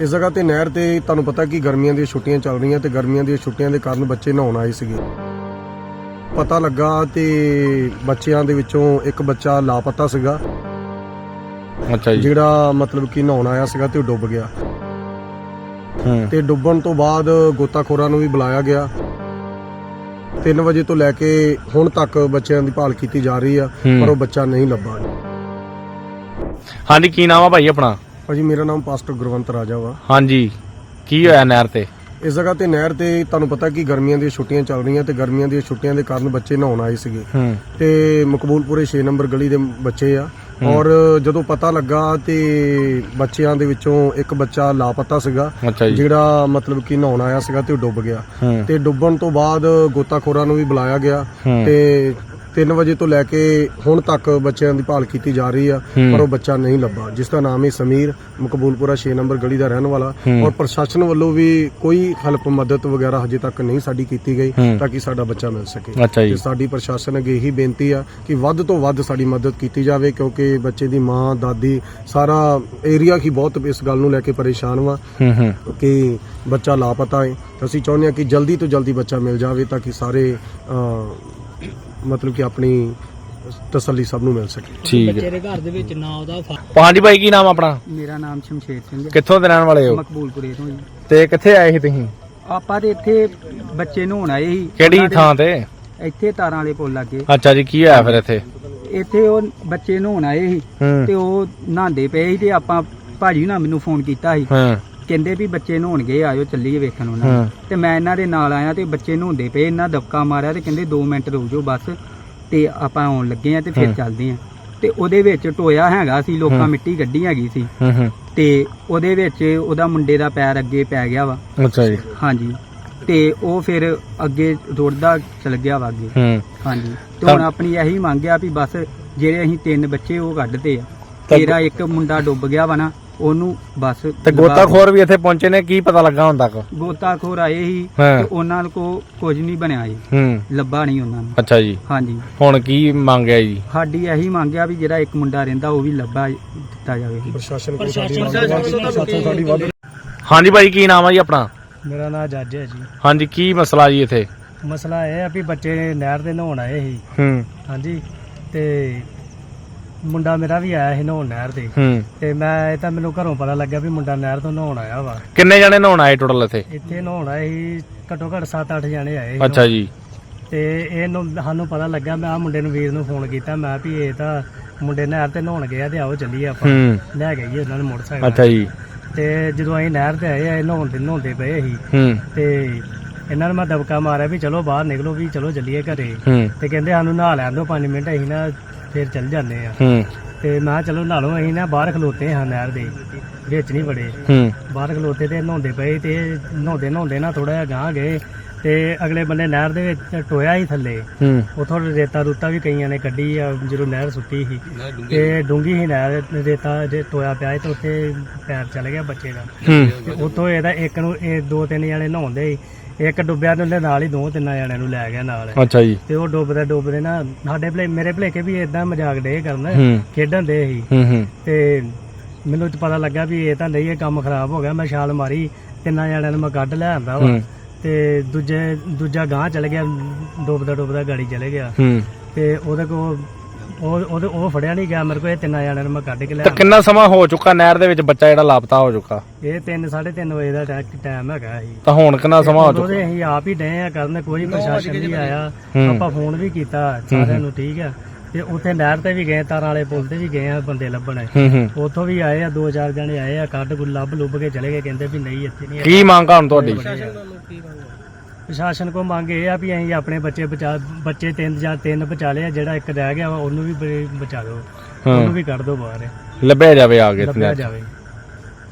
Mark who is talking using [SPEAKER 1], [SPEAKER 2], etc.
[SPEAKER 1] इस जगह ते नहर ते तुहानूं पता कि गर्मियां दी छुट्टियां चल रही ते गर्मियां दी छुट्टियां दे कारण बच्चे नहाउण आए सीगे। पता लगा ते बच्चियां दे विचों एक बच्चा लापता सीगा।
[SPEAKER 2] अच्छा जी।
[SPEAKER 1] जिहड़ा मतलब कि नहाउण आया सीगा ते डुੱਬ गया ते डुੱਬਣ ਤੋਂ ਬਾਅਦ ਗੋਤਾਖੋਰਾਂ ਨੂੰ ਵੀ ਬੁਲਾਇਆ ਗਿਆ। 3 ਵਜੇ ਤੋਂ ਲੈ ਕੇ ਹੁਣ ਤੱਕ ਬੱਚਿਆਂ ਦੀ ਭਾਲ ਕੀਤੀ ਜਾ ਰਹੀ ਆ ਪਰ ਉਹ ਬੱਚਾ ਨਹੀਂ ਲੱਭਾ।
[SPEAKER 2] ਹਾਂਜੀ ਕੀ ਨਾਮ ਆ ਭਾਈ ਆਪਣਾ?
[SPEAKER 1] ਭਾਜੀ ਮੇਰਾ ਨਾਮ ਪਾਸਟਰ ਗੁਰਵੰਤ ਰਾਜਾ ਵਾ।
[SPEAKER 2] ਹਾਂਜੀ ਕੀ ਹੋਇਆ ਨਹਿਰ ਤੇ?
[SPEAKER 1] इस जगह ते नहर ते तुहानूं पता कि गर्मियां दी छुट्टियां चल रही ते गर्मियां दी छुट्टियां दे कारण बच्चे नहाउण आए सीगे ते मकबूलपुरे 6 नंबर गली दे बच्चे आ और जदों पता लगा ते बच्चियां दे विचों एक बच्चा लापता सीगा। जिहड़ा मतलब कि नहाउण आया सीगा ते डुੱਬ ਗਿਆ ਤੇ ਡੁੱਬਣ ਤੋਂ ਬਾਅਦ ਗੋਤਾਖੋਰਾਂ ਨੂੰ ਵੀ ਬੁਲਾਇਆ ਗਿਆ ਤੇ 3 ਵਜੇ ਤੋਂ ਲੈ ਕੇ ਹੁਣ ਤੱਕ ਬੱਚਿਆਂ ਦੀ ਭਾਲ ਕੀਤੀ ਜਾ ਰਹੀ ਆ ਪਰ ਉਹ ਬੱਚਾ ਨਹੀਂ ਲੱਭਾ, ਜਿਸ ਦਾ ਨਾਮ ਹੈ ਸਮੀਰ, ਮਕਬੂਲਪੁਰਾ 6 ਨੰਬਰ ਗਲੀ ਦਾ ਰਹਿਣ ਵਾਲਾ। ਔਰ ਪ੍ਰਸ਼ਾਸਨ ਵੱਲੋਂ ਵੀ ਕੋਈ ਹੈਲਪ ਮਦਦ ਵਗੈਰਾ ਹਜੇ ਤੱਕ ਨਹੀਂ ਸਾਡੀ ਕੀਤੀ ਗਈ ਤਾਂ ਕਿ ਸਾਡਾ ਬੱਚਾ ਮਿਲ ਸਕੇ। ਤੇ ਸਾਡੀ ਪ੍ਰਸ਼ਾਸਨ ਅੱਗੇ ਇਹੀ ਬੇਨਤੀ ਆ ਕਿ ਵੱਧ ਤੋਂ ਵੱਧ ਸਾਡੀ ਮਦਦ ਕੀਤੀ ਜਾਵੇ ਕਿਉਂਕਿ ਬੱਚੇ ਦੀ ਮਾਂ, ਦਾਦੀ, ਸਾਰਾ ਏਰੀਆ ਹੀ ਬਹੁਤ ਇਸ ਗੱਲ ਨੂੰ ਲੈ ਕੇ ਪਰੇਸ਼ਾਨ ਵਾ ਕਿ ਬੱਚਾ ਲਾਪਤਾ ਹੈ। ਅਸੀਂ ਚਾਹੁੰਦੇ ਹਾਂ ਕਿ ਜਲਦੀ ਤੋਂ ਜਲਦੀ ਬੱਚਾ ਮਿਲ ਜਾਵੇ ਤਾਂ ਕਿ ਸਾਰੇ मतलब कि अपनी तसल्ली सब नूं मिल सके।
[SPEAKER 2] ठीक है।
[SPEAKER 3] बच्चे दे घर दे विच ना ओदा
[SPEAKER 2] ਹਾਂਜੀ ਭਾਈ ਕੀ ਨਾਮ ਆਪਣਾ?
[SPEAKER 3] मेरा नाम शमशेर सिंह है।
[SPEAKER 2] ਕਿੱਥੋਂ ਦੇ ਰਹਿਣ ਵਾਲੇ ਹੋ
[SPEAKER 3] ਮਕਬੂਲਪੁਰੇ ਤੋਂ ਜੀ।
[SPEAKER 2] ਤੇ ਕਿੱਥੇ ਆਏ ਸੀ ਤੁਸੀਂ?
[SPEAKER 3] ਆਪਾਂ ਤੇ ਇੱਥੇ ਬੱਚੇ ਨਹਾਉਣ ਆਏ ਸੀ।
[SPEAKER 2] ਕਿਹੜੀ ਥਾਂ ਤੇ?
[SPEAKER 3] ਇੱਥੇ ਤਾਰਾਂ ਵਾਲੇ ਪੁੱਲ ਲੱਗੇ।
[SPEAKER 2] ਅੱਛਾ ਜੀ ਕੀ ਹੋਇਆ ਫਿਰ ਇੱਥੇ?
[SPEAKER 3] ਇੱਥੇ ਉਹ ਬੱਚੇ ਨਹਾਉਣ ਆਏ ਸੀ ਤੇ ਉਹ ਨਹਾਉਂਦੇ ਪਏ ਸੀ ਤੇ ਆਪਾਂ ਭਾਜੀ ਨਾਲ ਮੈਨੂੰ ਫੋਨ ਕੀਤਾ ਸੀ। ਕਹਿੰਦੇ ਵੀ ਬੱਚੇ ਨਹਾਉਣ ਗਏ, ਆਇਓ ਚੱਲੀਏ ਵੇਖਣ ਉਹਨਾਂ ਤੇ ਮੈਂ ਇਹਨਾਂ ਦੇ ਨਾਲ ਆਇਆ ਤੇ ਬੱਚੇ ਨਹਾਉਂਦੇ ਪਏ। ਇਹਨਾਂ ਦਬਕਾ ਮਾਰਿਆ ਤੇ ਕਹਿੰਦੇ 2 ਮਿੰਟ ਰੁਕ ਜਾਓ ਬਸ ਤੇ ਆਪਾਂ ਆਉਣ ਲੱਗੇ ਆ ਤੇ ਫਿਰ ਚੱਲਦੇ ਆ। ਤੇ ਉਹਦੇ ਵਿੱਚ ਟੋਇਆ ਹੈਗਾ ਸੀ, ਲੋਕਾਂ ਮਿੱਟੀ ਗੱਡੀ ਹੈਗੀ ਸੀ ਤੇ ਉਹਦੇ ਵਿੱਚ ਉਹਦਾ ਮੁੰਡੇ ਦਾ ਪੈਰ ਅੱਗੇ ਪੈ ਗਿਆ ਵਾ।
[SPEAKER 2] ਅੱਛਾ ਜੀ।
[SPEAKER 3] ਹਾਂਜੀ ਤੇ ਉਹ ਫਿਰ ਅੱਗੇ ਰੁੜਦਾ ਚਲ ਗਿਆ ਵਾ ਅੱਗੇ। ਹਾਂਜੀ ਤੇ ਹੁਣ ਆਪਣੀ ਇਹੀ ਮੰਗ ਆ ਵੀ ਬਸ ਜਿਹੜੇ ਅਸੀਂ 3 ਬੱਚੇ ਉਹ ਕੱਢਦੇ ਆ, ਤੇਰਾ ਇੱਕ ਮੁੰਡਾ ਡੁੱਬ ਗਿਆ ਵਾ ਨਾ ਉਹਨੂੰ ਬਸ।
[SPEAKER 2] ਤੇ ਗੋਤਾਖੋਰ ਵੀ ਇੱਥੇ ਪਹੁੰਚੇ ਨੇ, ਕੀ ਪਤਾ ਲੱਗਾ ਹੁਣ ਤੱਕ?
[SPEAKER 3] ਗੋਤਾਖੋਰ ਆਏ ਸੀ ਤੇ ਉਹਨਾਂ ਕੋ ਕੁਝ ਨਹੀਂ ਬਣਿਆ ਜੀ, ਲੱਭਾ ਨਹੀਂ ਉਹਨਾਂ ਨੂੰ।
[SPEAKER 2] ਅੱਛਾ ਜੀ।
[SPEAKER 3] ਹਾਂਜੀ
[SPEAKER 2] ਹੁਣ ਕੀ ਮੰਗਿਆ ਜੀ?
[SPEAKER 3] ਸਾਡੀ ਇਹੀ ਮੰਗਿਆ ਵੀ ਜਿਹੜਾ ਇੱਕ ਮੁੰਡਾ ਰਹਿੰਦਾ ਉਹ ਵੀ ਲੱਭਾ ਦਿੱਤਾ ਜਾਵੇ।
[SPEAKER 1] ਪ੍ਰਸ਼ਾਸਨ ਸਾਡੀ ਵੱਧ।
[SPEAKER 2] ਹਾਂਜੀ ਭਾਈ ਕੀ ਨਾਮ ਆ ਜੀ ਆਪਣਾ?
[SPEAKER 3] ਮੇਰਾ ਨਾਮ ਜੱਜ ਹੈ ਜੀ।
[SPEAKER 2] ਹਾਂਜੀ ਕੀ ਮਸਲਾ ਜੀ ਇੱਥੇ?
[SPEAKER 3] ਮਸਲਾ ਇਹ ਆ ਵੀ ਬੱਚੇ ਨਹਿਰ ਦੇ ਨਹਾਉਣ ਆਏ ਸੀ। ਹਾਂਜੀ ਤੇ ਮੁੰਡਾ ਮੇਰਾ ਵੀ ਆਇਆ ਸੀ ਨਹਾਉਣ ਨਹਿਰ ਤੇ ਮੈਂ ਇਹ ਤਾਂ ਮੈਨੂੰ ਘਰੋਂ ਪਤਾ ਲੱਗਿਆ ਵੀ ਮੁੰਡਾ ਨਹਿਰ ਤੋਂ ਨਹਾਉਣ ਆਇਆ ਵਾ।
[SPEAKER 2] ਕਿੰਨੇ ਜਣੇ ਨਹਾਉਣ ਆਏ ਟੋਟਲ ਇੱਥੇ?
[SPEAKER 3] ਇੱਥੇ ਨਹਾਉਣ ਆਏ ਸੀ ਘੱਟੋ ਘੱਟ 7-8 ਜਣੇ ਆਏ।
[SPEAKER 2] ਅੱਛਾ ਜੀ।
[SPEAKER 3] ਤੇ ਇਹਨੂੰ ਸਾਨੂੰ ਪਤਾ ਲੱਗਾ, ਮੈਂ ਆ ਮੁੰਡੇ ਨੂੰ, ਵੀਰ ਨੂੰ ਫੋਨ ਕੀਤਾ, ਮੈਂ ਵੀ ਇਹ ਤਾਂ ਮੁੰਡੇ ਨਹਿਰ ਤੇ ਨਹਾਉਣ ਗਏ ਆ ਤੇ ਆਓ ਚੱਲੀਏ ਆਪਾਂ ਲੈ ਗਏ ਉਹਨਾਂ ਨੂੰ ਮੋਟਰਸਾਈਕਲ।
[SPEAKER 2] ਅੱਛਾ ਜੀ।
[SPEAKER 3] ਤੇ ਜਦੋਂ ਅਸੀਂ ਨਹਿਰ ਤੇ ਆਏ ਆ ਨਹਾਉਂਦੇ ਪਏ ਸੀ ਤੇ ਇਹਨਾਂ ਨੂੰ ਮੈਂ ਦਬਕਾ ਮਾਰਿਆ ਵੀ ਚਲੋ ਬਾਹਰ ਨਿਕਲੋ, ਵੀ ਚਲੋ ਚੱਲੀਏ ਘਰੇ। ਤੇ ਕਹਿੰਦੇ ਸਾਨੂੰ ਨਹਾ ਲੈਣ ਦਿਓ 5 ਮਿੰਟ, ਅਸੀਂ ਨਾ ਫਿਰ ਚੱਲ ਜਾਂਦੇ ਆ। ਤੇ ਮੈਂ ਕਿਹਾ ਚਲੋ ਨਹਾ ਲਓ। ਅਸੀਂ ਨਾ ਬਾਹਰ ਖਲੋਤੇ ਹਾਂ ਨਹਿਰ ਦੇ ਵਿੱਚ, ਨਹੀਂ ਵੜੇ, ਬਾਹਰ ਖਲੋਤੇ ਤੇ ਨਹਾਉਂਦੇ ਪਏ ਤੇ ਨਹਾਉਂਦੇ ਨਾ ਥੋੜਾ ਜਿਹਾ ਗਾਂਹ ਗਏ ਤੇ ਅਗਲੇ ਬੰਨੇ ਨਹਿਰ ਦੇ ਵਿੱਚ ਟੋਇਆ ਹੀ ਥੱਲੇ। ਉਥੋਂ ਰੇਤਾ ਰੂਤਾ ਵੀ ਕਈਆਂ ਨੇ ਕੱਢੀ ਆ ਜਦੋਂ ਨਹਿਰ ਸੁੱਟੀ ਸੀ ਤੇ ਡੂੰਗੀ ਸੀ ਨਹਿਰ, ਰੇਤਾ ਜੇ ਟੋਇਆ ਪਿਆ ਤੇ ਉੱਥੇ ਪੈਰ ਚਲ ਗਿਆ ਬੱਚੇ ਦਾ। ਤੇ ਉੱਥੋਂ ਇਹਦਾ ਇੱਕ ਨੂੰ 2-3 ਜਣੇ ਨਹਾਉਂਦੇ, ਇੱਕ ਡੁੱਬਿਆ ਤੇ ਉਹਦੇ ਨਾਲ ਹੀ 2-3 ਜਣਿਆਂ ਨੂੰ ਲੈ ਗਿਆ ਨਾਲ।
[SPEAKER 2] ਅੱਛਾ ਜੀ।
[SPEAKER 3] ਤੇ ਉਹ ਡੁੱਬਦੇ ਨਾ ਸਾਡੇ ਮੇਰੇ ਭਲੇਕੇ ਵੀ ਏਦਾਂ ਮਜ਼ਾਕ ਡੇ ਕਰਨ, ਖੇਡਣ ਦੇ ਸੀ। ਤੇ ਮੈਨੂੰ ਪਤਾ ਲੱਗਾ ਵੀ ਇਹ ਤਾਂ ਨਹੀਂ, ਇਹ ਕੰਮ ਖਰਾਬ ਹੋ ਗਿਆ। ਮੈਂ ਛਾਲ ਮਾਰੀ, 3 ਜਣਿਆਂ ਨੂੰ ਮੈਂ ਕੱਢ ਲੈ ਆਂਦਾ ਵਾ ਤੇ ਦੂਜਾ ਗਾਂਹ ਚਲ ਗਿਆ, ਡੁੱਬਦਾ ਗਾੜੀ ਚਲੇ ਗਿਆ ਤੇ ਉਹਦੇ ਕੋਲ ਉਹ ਫੜਿਆ ਨਹੀਂ ਗਿਆ ਮੇਰੇ ਕੋਲ। ਇਹ 3 ਜਣਿਆਂ ਨੂੰ ਮੈਂ ਕੱਢ ਕੇ ਲੈ ਆਂਦਾ।
[SPEAKER 2] ਕਿੰਨਾ ਸਮਾਂ ਹੋ ਚੁੱਕਾ ਨਹਿਰ ਦੇ ਵਿੱਚ ਬੱਚਾ ਜਿਹੜਾ ਲਾਪਤਾ ਹੋ ਚੁੱਕਾ?
[SPEAKER 3] ਇਹ 3-3:30 ਵਜੇ ਦਾ ਟਾਈਮ ਹੈਗਾ ਸੀ।
[SPEAKER 2] ਤਾਂ ਹੁਣ ਕਿੰਨਾ ਸਮਾਂ ਹੋ ਚੁੱਕਾ?
[SPEAKER 3] ਅਸੀਂ ਆਪ ਹੀ ਡਏ ਆ ਕਰਨ, ਕੋਈ ਪ੍ਰਸ਼ਾਸਨ ਨਹੀਂ ਆਇਆ। ਆਪਾਂ ਫੋਨ ਵੀ ਕੀਤਾ ਸਾਰਿਆਂ ਨੂੰ, ਠੀਕ ਆ। ਤੇ ਉੱਥੇ ਨਹਿਰ ਤੇ ਵੀ ਗਏ, ਤਾਰਾਂ ਵਾਲੇ ਪੁੱਲ ਤੇ ਵੀ ਗਏ ਆ ਬੰਦੇ ਲੱਭਣ। ਉੱਥੋਂ ਵੀ ਆਏ ਆ 2-4 ਜਣੇ ਆਏ ਆ, ਕੱਢ ਲੱਭ ਕੇ ਚਲੇ ਗਏ, ਕਹਿੰਦੇ ਵੀ ਨਹੀਂ ਇੱਥੇ ਨਹੀਂ।
[SPEAKER 2] ਕੀ ਮੰਗ ਆ ਹੁਣ ਤੁਹਾਡੀ?
[SPEAKER 3] ਪ੍ਰਸ਼ਾਸਨ ਕੋ ਮੰਗ ਇਹ ਆ ਵੀ ਅਸੀਂ ਆਪਣੇ ਬੱਚੇ 3 ਬਚਾ ਲਏ ਆ, ਜਿਹੜਾ ਇੱਕ ਰਹਿ ਗਿਆ ਉਹਨੂੰ ਵੀ ਬਚਾ ਦਿਓ, ਉਹਨੂੰ ਵੀ ਕੱਢ ਦਿਓ ਬਾਹਰ,
[SPEAKER 2] ਲੱਭਿਆ ਜਾਵੇ ਆ ਕੇ।
[SPEAKER 3] ਲੱਭਿਆ ਜਾਵੇ।